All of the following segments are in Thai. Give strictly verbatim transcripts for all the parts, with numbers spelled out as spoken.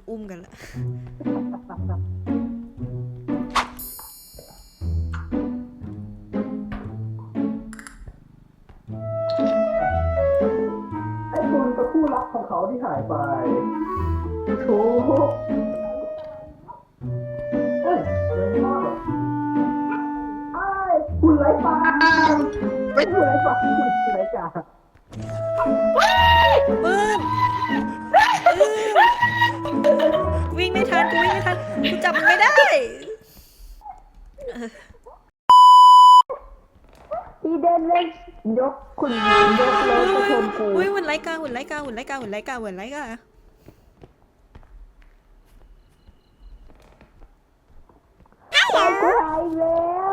อุ้มกันละไอ้คุณกับคู่รักของเขาที่หายไปถูกเฮ้ยเลยมากแบบไอ้คุณไร้ฟ้าไม่คุณไร้ฟ้าคุณไร้จ่าปื้มวิ่งไม่ทันกูวิ่งไม่ทันกูจับมันไม่ได้พี่เดินเลยยกคุณยกเลยก็ชมกูอุ้ยหุ่นไรกาหุ่นไรกาหุ่นไรกาหุ่นไรกาหุ่นไรกาเอากูหายแล้ว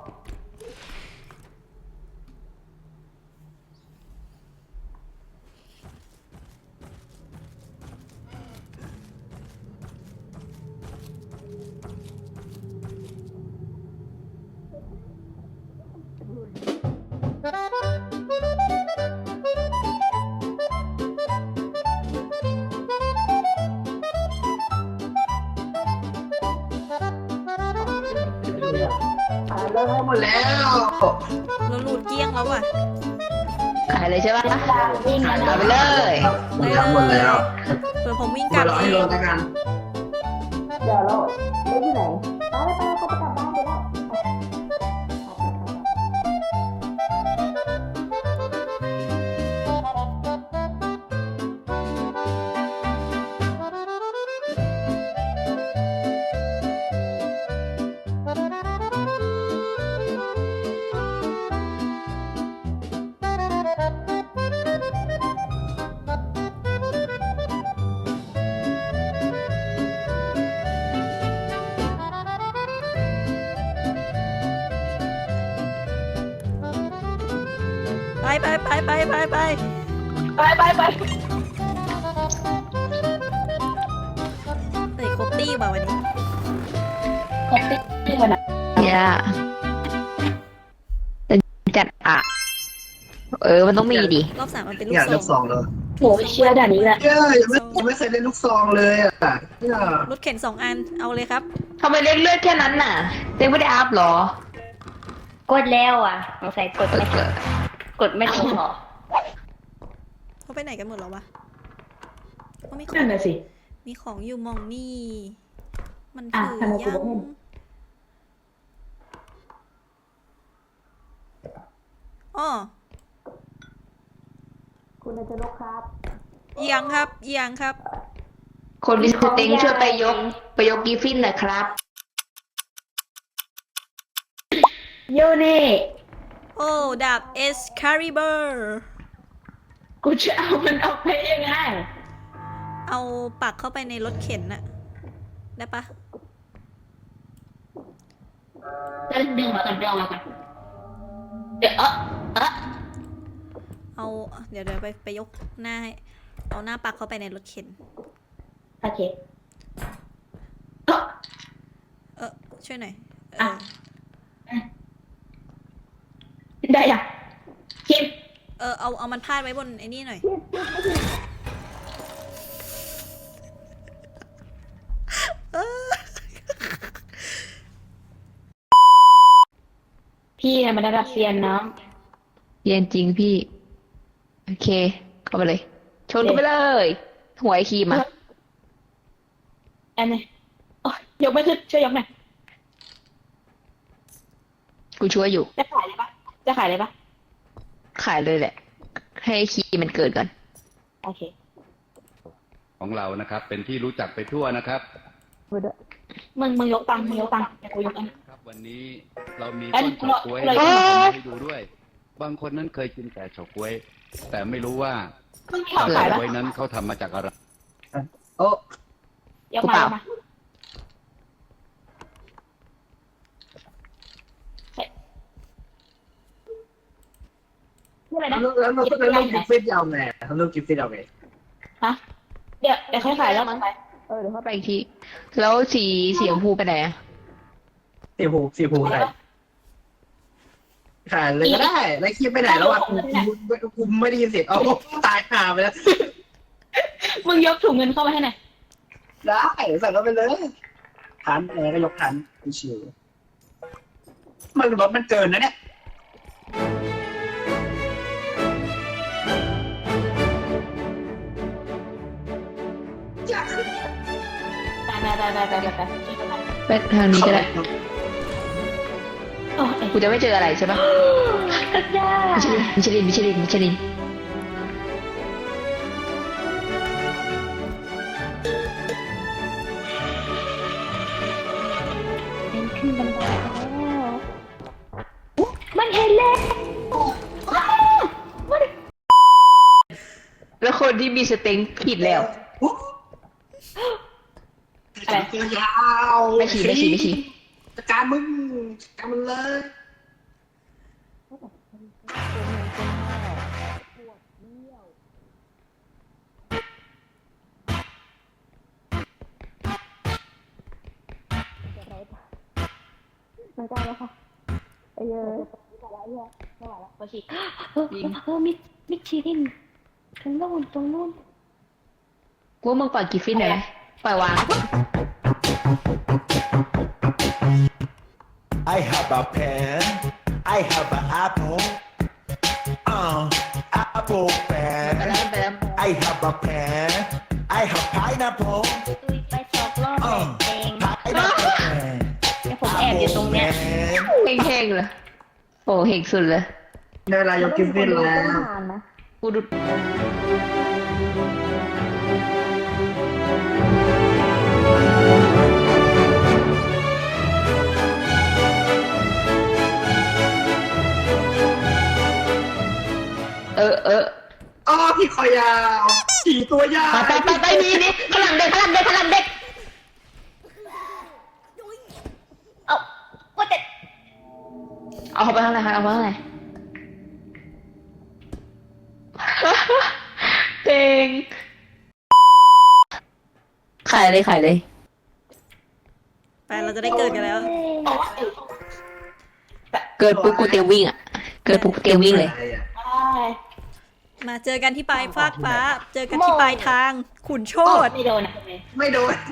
หายแล้วหมดแล้วเราหลุดเกี้ยงแล้วอ่ะขายเลยใช่ปะวิ่งขายนะไปเลยหมดแล้วหมดแล้วเผื่อผมวิ่งกมาลับรอเอให้งลงกันเดี๋ยวเราไปที่ไหนไปไปไปเขาจะกลับบ้านไปแล้วไปไปไปไปไปไปไปไปไปเฮ้ยครบตี้ป่ะวันนี้ครบที่คนน่ะอย่าจะจัดอ่ะ เออ มันต้องมีดิรอบสามมันเป็นลูกเนี่ยซลูอก งซองเลยโหเชื่อด่านนี้แหละเย้ยังไม่ยังไม่เคยเล่นลูกซองเลยอ่ะเนี่ยรถเข็นสองอันเอาเลยครับทำไมเล่นเลือดแค่นั้นน่ะเต็งไม่ได้อัพหรอกดแล้วอ่ะสงสัยกดไม่ทันกดไม่ทันหรอเขาไปไหนกันหมดแล้ววะเขามีขอนั่งนน่ะสิมีของอยู่มองนี่ มันอ่ะถือทำไมกูยังไม่เห็นอ๋อคุณอาจารย์ครับเอียงครับเอียงครับคนดิสเต็งช่วยไปยก ไปยกกีฟินหน่อยครับโยนี่โอ้ดาบเอสคาริเบอร์กูจะเอามันออกไปยังไงเอาปักเข้าไปในรถเข็นน่ะได้ปะเดินดึงมาก่อนดึงมาก่อนเดี๋ยวเออเออเอาเดี๋ยวเดี๋ยวไปไปยกหน้าให้เอาหน้าปักเข้าไปในรถเข็นโอเคเออช่วยหน่อยเออ่ะอได้ยังคิมเออเอาเอามันพาดไว้บนไอ้นี่หน่อยพี่มันระดับเซียนน้องเย็นจริงพี่ โอเค เข้าไปเลย ชนกันไปเลย หวยคีมอ่ะอันนี้โอ้ยยกไม่ขึ้นช่วยยกหน่อยกูช่วยอยู่จะขายเลยปะจะขายเลยปะขายเลยแหละ ให้คีมมันเกิดก่อนโอเคของเรานะครับ เป็นที่รู้จักไปทั่วนะครับมึงมึงยกตังค์มึงยกตังค์เดี๋ยวกูยกเองครับ วันนี้เรามีเอ้ต้ยนเฉาก๊วยเราให้เราให้ดูด้วย บางคนนั้นเคยกินแต่เฉาก๊วย แต่ไม่รู้ว่ามึงมีของเฉาขายปะก๊วยนั้นเขาทำมาจากอะไรโอ้ยกมายกมาเฮ้ยนี่อะไรนะแล้วแล้วเราก็จะเล่นกิฟฟิตยาวไงเขาเล่นกิฟฟิตยาวไงฮะเดี๋ยวเดี๋ยวค่อยขายแล้วมั้งไปเออเดี๋ยวเข้าไปอีกที แล้วสีสีชมพูไปไหนอะสีผูสีผูใส่ขายเลยก็ได้แล้วคิดไปไหนแล้วอ่ะกูกูกูไม่ได้ยินเสียงเอาตายห่าไปแล้วมึงยกถุงเงินเข้ามาให้หน่อยได้ใส่รถไปเลยทันเออก็ยกทันชิวมันรถมันเกินนะเนี่ยอยากขึ้นไปไปไปไปไปไปไปทางนี้ก็ได้โอ้ยกูจะไม่เจออะไรใช่ปะสุดยอดมิชลินมิชลินมิชลินมิชลินเป็นขึ้นบันไดแล้วมันเห็นแล้วแล้วคนที่มีสเต็งผิดแล้วอะไรตัวยาวไม่ฉีไม่ฉีไม่ฉีจัดการมึงจัดการมันเลยพอฉีกเออเออมิดมิดชีรินตรงโน้นตรงโน้นกูว่ามึงปล่อยกิฟฟินหน่อยไหมปล่อยวาง I have a pen. I have an apple. Uh, apple ไป pen. แล้วไปแล้ว I have a pen. I have pineapple. ตุยไปสองรอบ Uh, เอง pineapple pen. เดี๋ยวผมแอบอยู่ตรงเนี้ย pen. เฮงๆเลยโอ้เฮงสุดเลยในเวลายกกิฟต์ฟินแล้วกูดู เออเอออ๋อพี่คอยาวขี่ตัวยาวไปไปไปนี่นี่พลังเด็กพลังเด็กพลังเด็กเอ้าว่าแต่เอาเข้าไปข้างในครับเอาไปข้างในเต็งขายเลยขายเลยไปเราจะได้เกิดกันแล้วโอ้ยเกิดปุ๊บกูเตรียมวิ่งอ่ะ เกิดปุ๊บกูเตรียมวิ่งเลยมาเจอกันที่ปลายฟากฟ้า เจอกันที่ปลายทาง ขุนโชตไม่โดนนะไม่โดน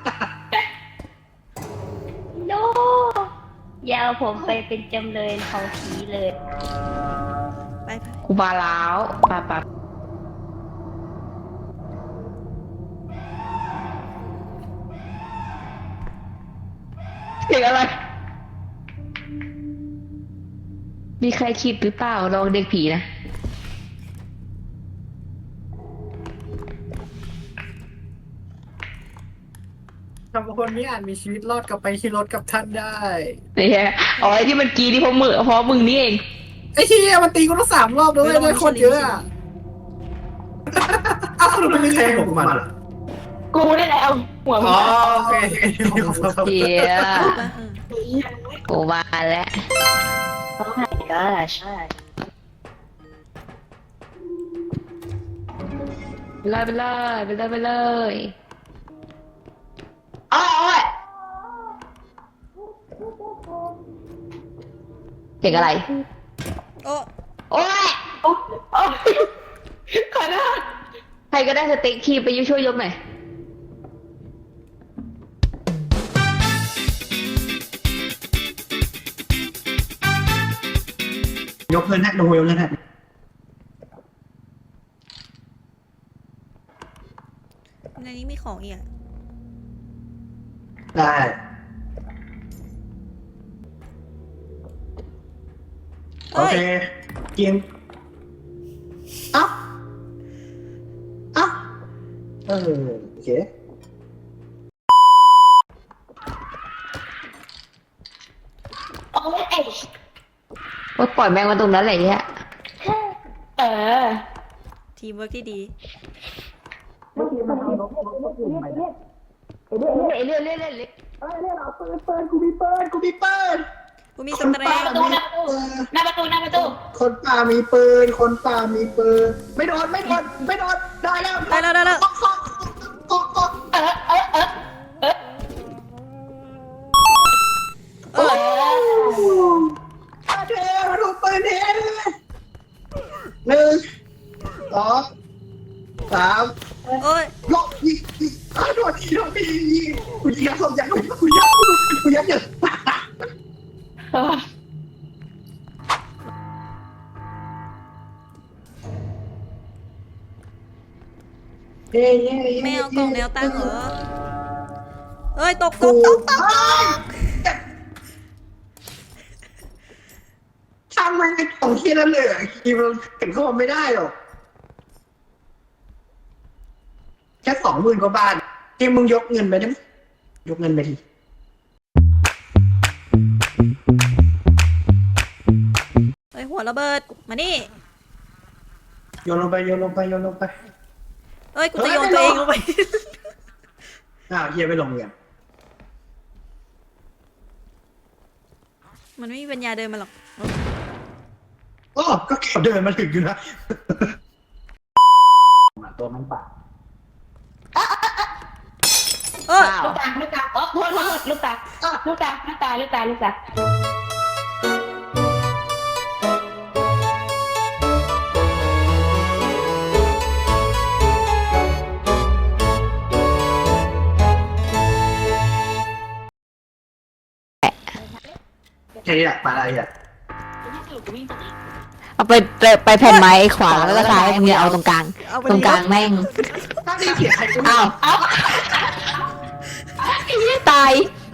โนยาวผมไปเป็นจำเลยของผีเลยไปไปกูมาแล้วปะปะเสียงอะไร มีใครคิดหรือเปล่าลองเด็กผีนะทำคนนี้อาจมีชีวิตรอดกลับไปที่รถกับท่านได้เนี่ยอ๋อไอ้ที่มันกรีดที่เพราะมือเพราะมึงนี่เองไอ้เหี้ยมันตีกูต้องสามรอบด้วยได้คนเยอะอ่ะอ้าวมันไม่ใช่ของมันกูได้แล้วหัวมึอ๋งอโอเคเจียไปเออกูมาแล้วเขาหายก็ใช่ไปเลยไปเลยไปเลยไปเลยอ้อยเสียงอะไรโอ้โอ้ยโอ้โอ้ขอโทษใครก็ได้สเต็กทีไปยุ่ช่วยยกหน่อยยกเงินให้ดูยกเงินให้ในนี้มีของอีกอะได้ โอเอ้ยเคกินเอ้าเอ้าเออโอเคโอ้ยเอ้ยว่าปล่อยแมงมาตรงนั้นแหละเนี่ยเออทีมเวิร์กที่ดีเมื่อกี้มันเอานกนกปุ่มไปนะเรื่อยเรื่อยเรื่อยเรื่อยเรื่อยเอ้ยเนี่ยเราเปิดเปิดกูมีเปิดกูมีเปิดกูมีสเตรหน้าย์ประตูหน้าประตูหน้าประตูหน้าประตูคนป่ามีปืน คนป่ามีปืน ไม่โดน ไม่โดน ไม่โดน ได้แล้วได้แล้วได้แล้วก๊อกก๊อกก๊อกก๊อกเออเออเออเออเอออาเทมาดูปืนเทหนึ่งสองสามโอ้ยลบยิงยิงอ้าวโดนทีโดนทีกูยิงกระสุนยักษ์กูยักษ์กูยักษ์เนี่ยเย้เย้ไม่เอากล่องแนวตั้งเหรอเอ้ยตกตกตกตกทำไมไอ้กล่องที่นั่นเลยคีมันเก็บเข้ามาไม่ได้หรอกแค่สองหมื่นกว่าบาทที่มึงยกเงินไปได้ไหมยกเงินไปทีเอ้ยหัวระเบิดมานี่โยนลงไปโยนลงไปโยนลงไปเอ้ยกูจะโยนตัวเองลงไปอ้าวเฮียไม่ลงเงินมันไม่มีปัญญาเดินมาหรอกโอ้ก็เก็บเดินมาถึงอยู่นะตัวมันปากเออลูกตาลูกตาอ๋อโทษโทษโทษลูกตาลูกตาลูกตาลูกตาลูกตาแค่นี้แหละปลาอะไรอ่ะเอาไปไปไปแผ่นไม้ขวาแล้วก็ซ้ายตรงนี้เอาตรงกลางเอาไปตรงกลางแม่งถ้าได้เสียใครก็อ้าวตาย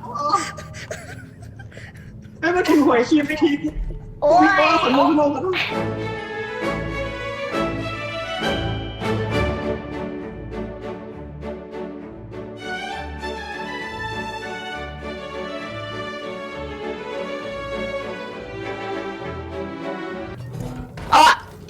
ไม่มาถึงหวยคีมไม่ทีโอ้ยขนมขนมขนมอ๋อ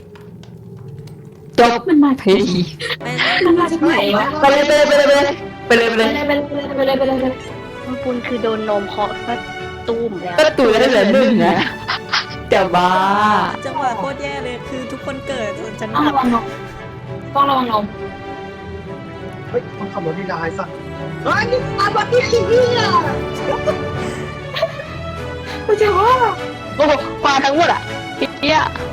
จบมันมาทีไปมันมาจากไหนวะไปเลยไปเลยไปเลยไปเลยไปเลยไปเลยไปเลยไปเลยไปเลยไปเลยปุณคือโดนนมเคาะก็ตุ้มแล้วก็ตัวได้เหลือหนึ่งนะแต่บ้าจังหวะโคตรแย่เลยคือทุกคนเกิดส่วนฉันต้องระวังนมต้องระวังนมเฮ้ยมันขับรถนี่ได้สักเฮ้ยนี่อาบัติขี้เหี้ยโอ้โหมาทั้งหมดอ่ะเฮีย